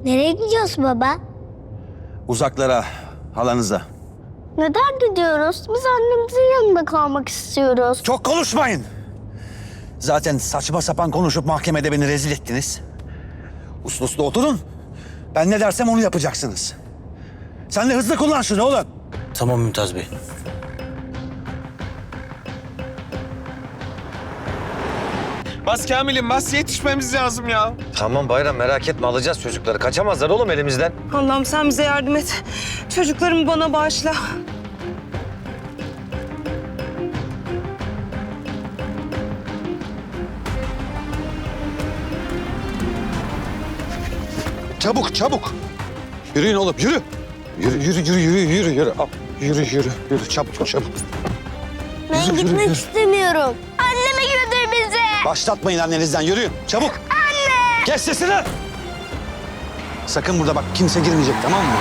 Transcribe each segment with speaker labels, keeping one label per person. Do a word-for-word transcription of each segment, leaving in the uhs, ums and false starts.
Speaker 1: Nereye gidiyoruz baba?
Speaker 2: Uzaklara, halanıza.
Speaker 1: Neden gidiyoruz? Biz annemizin yanında kalmak istiyoruz.
Speaker 2: Çok konuşmayın. Zaten saçma sapan konuşup mahkemede beni rezil ettiniz. Uslu uslu oturun. Ben ne dersem onu yapacaksınız. Sen de hızlı kullan şunu oğlum.
Speaker 3: Tamam Mümtaz Bey.
Speaker 4: Bas Kamil'im bas, yetişmemiz lazım ya.
Speaker 3: Tamam Bayram, merak etme, alacağız çocukları. Kaçamazlar oğlum elimizden.
Speaker 5: Allah'ım sen bize yardım et. Çocuklarımı bana bağışla.
Speaker 2: Çabuk çabuk. Yürüyün oğlum yürü. Yürü yürü yürü yürü yürü yürü. Al, yürü yürü yürü çabuk çabuk.
Speaker 1: Ben
Speaker 2: Yürü, yürü,
Speaker 1: gitmek
Speaker 2: yürü.
Speaker 1: istemiyorum. Anneme götür bizi.
Speaker 2: Başlatmayın annenizden yürüyün çabuk. Anne! Kes sesini. Sakın burada bak kimse girmeyecek tamam mı?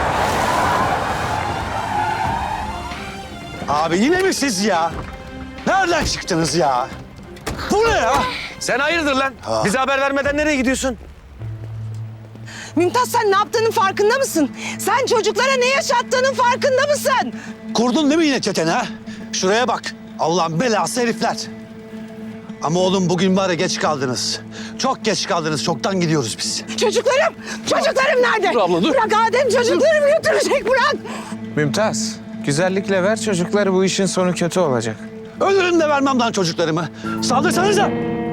Speaker 2: Abi yine mi siz ya? Nereden çıktınız ya? Bu ne ya?
Speaker 3: Sen hayırdır lan? Bize haber vermeden nereye gidiyorsun?
Speaker 5: Mümtaz sen ne yaptığının farkında mısın? Sen çocuklara ne yaşattığının farkında mısın?
Speaker 2: Kurdun değil mi yine çeteni ha? Şuraya bak. Allah'ın belası herifler. Ama oğlum bugün var ya geç kaldınız. Çok geç kaldınız. Çoktan gidiyoruz biz.
Speaker 5: Çocuklarım, çocuklarım nerede?
Speaker 4: Dur abla, dur.
Speaker 5: Bırak Adem çocuklarımı götürecek bırak.
Speaker 4: Mümtaz, güzellikle ver çocukları, bu işin sonu kötü olacak.
Speaker 2: Ölürüm de vermem lan çocuklarımı. Saldırsanıza.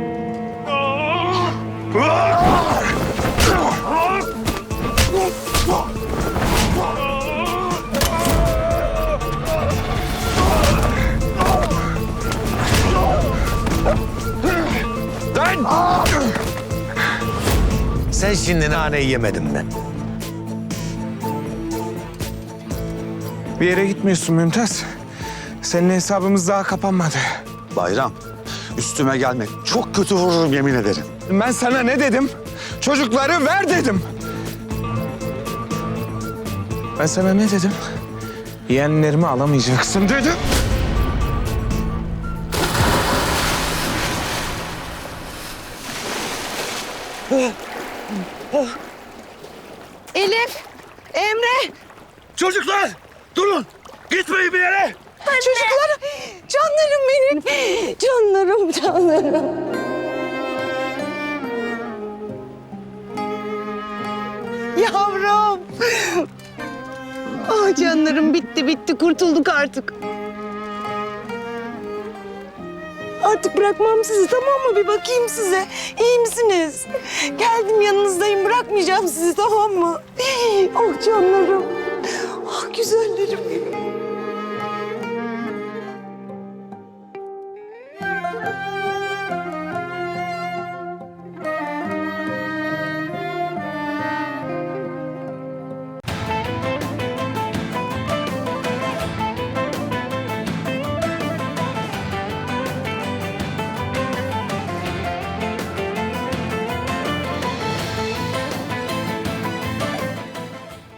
Speaker 3: Lan! Sen şimdi naneyi yemedin mi?
Speaker 4: Bir yere gitmiyorsun Mümtaz. Senin hesabımız daha kapanmadı.
Speaker 2: Bayram, üstüme gelme. Çok kötü vururum yemin ederim.
Speaker 4: Ben sana ne dedim? Çocukları ver dedim. Ben sana ne dedim? Yeğenlerimi alamayacaksın dedim.
Speaker 5: Elif, Emre,
Speaker 2: Çocuklar, durun. Gitmeyin bir yere.
Speaker 5: çocuklarım, canlarım benim. Canlarım, canlarım. Yavrum. Ah canlarım bitti bitti kurtulduk artık. Artık bırakmam sizi tamam mı? Bir bakayım size. İyi misiniz? Geldim yanınızdayım bırakmayacağım sizi tamam mı? Oh canlarım. Ah güzellerim benim.